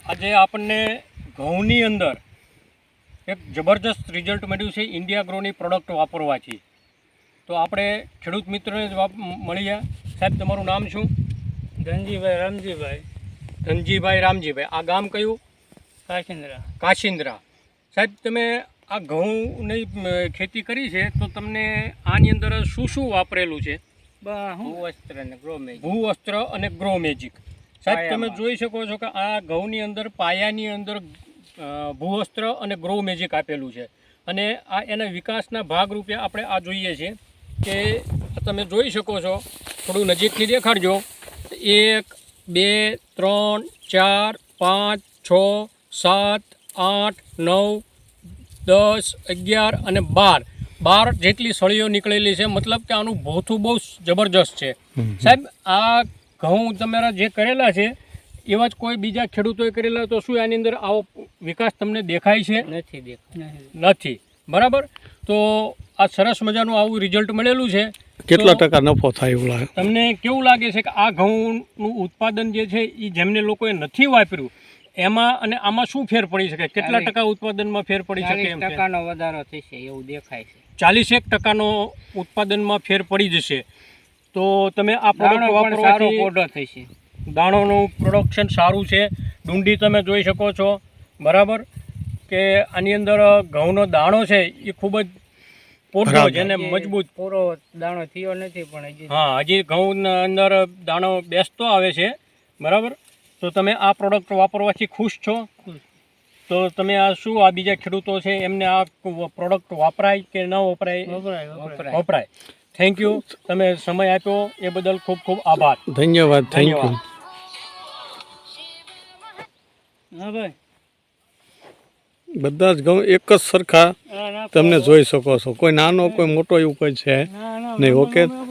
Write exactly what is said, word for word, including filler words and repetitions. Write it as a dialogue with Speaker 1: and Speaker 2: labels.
Speaker 1: આજે આપણને ઘઉંની અંદર એક જબરજસ્ત રિઝલ્ટ મળ્યું છે ઇન્ડિયા ગ્રોની પ્રોડક્ટ વાપરવાથી. તો આપણે ખેડૂત મિત્રોને જ મળીએ. સાહેબ, તમારું નામ શું?
Speaker 2: ધનજીભાઈ રામજીભાઈ.
Speaker 1: ધનજીભાઈ રામજીભાઈ. આ ગામ કયું?
Speaker 2: કાશિંદ્રા.
Speaker 1: કાશિંદ્રા. સાહેબ, તમે આ ઘઉંની ખેતી કરી છે તો તમને આની અંદર શું શું વાપરેલું છે?
Speaker 2: ભૂવસ્ત્ર અને ગ્રો મેજિક.
Speaker 1: ભૂવસ્ત્ર અને ગ્રો મેજિક. સાહેબ, તમે જોઈ શકો છો કે આ ઘઉંની અંદર પાયાની અંદર ભૂવસ્ત્ર અને ગ્રો મેજિક આપેલું છે અને આ એના વિકાસના ભાગરૂપે આપણે આ જોઈએ છીએ કે તમે જોઈ શકો છો. થોડું નજીકથી દેખાડજો. એક બે ત્રણ ચાર પાંચ છ સાત આઠ નવ દસ અગિયાર અને બાર બાર જેટલી સળીઓ નીકળેલી છે. મતલબ કે આનું ભોથું બહુ જબરજસ્ત છે. સાહેબ, આ ઘઉં તમારા જે કરેલા છે એવા જ કોઈ બીજા ખેડૂતોએ કરેલા, તો શું આની અંદર આવો વિકાસ તમને દેખાય છે?
Speaker 2: નથી દેખાય.
Speaker 1: નથી. બરાબર. તો આ સરસ મજાનું આવું રિઝલ્ટ મળેલું છે.
Speaker 3: કેટલા ટકા નફો થાય એવું લાગે
Speaker 1: તમને? કેવું લાગે છે કે આ ઘઉંનું ઉત્પાદન જે છે એ જેમને લોકોએ નથી વાપર્યું એમાં અને આમાં શું ફેર પડી શકે? કેટલા ટકા ઉત્પાદનમાં ફેર પડી શકે? એમ
Speaker 2: ટકાનો વધારો થશે એવું દેખાય છે.
Speaker 1: ચાલીસ એક ટકાનો ઉત્પાદનમાં ફેર પડી જશે. તો તમે આ પ્રોડક્ટ વાપરવાથી
Speaker 2: પોડો થશે.
Speaker 1: દાણોનું પ્રોડક્શન સારું છે. ડુંડી તમે જોઈ શકો છો. બરાબર કે આની અંદર ઘઉંનો દાણો છે એ ખૂબ જ પોડો છે અને મજબૂત.
Speaker 2: પૂરો દાણો થયો નથી પણ હજી
Speaker 1: હા, હજી ઘઉંના અંદર દાણો બેસતો આવે છે. બરાબર. તો તમે આ પ્રોડક્ટ વાપરવાથી ખુશ છો? તો તમે આ શું આ બીજા ખેડૂતો છે એમને આ પ્રોડક્ટ વાપરાય કે ન વપરાય?
Speaker 2: વપરાય.
Speaker 1: વપરાય. Thank you. તમે સમય આપ્યો એ બદલ ખૂબ ખૂબ આભાર.
Speaker 3: ધન્યવાદ. Thank you.
Speaker 2: હા ભાઈ,
Speaker 3: બધા જ ઘઉં એક જ સરખા તમને જોઈ શકો છો. કોઈ નાનો કોઈ મોટો એવું કોઈ છે નહીં. ઓકે.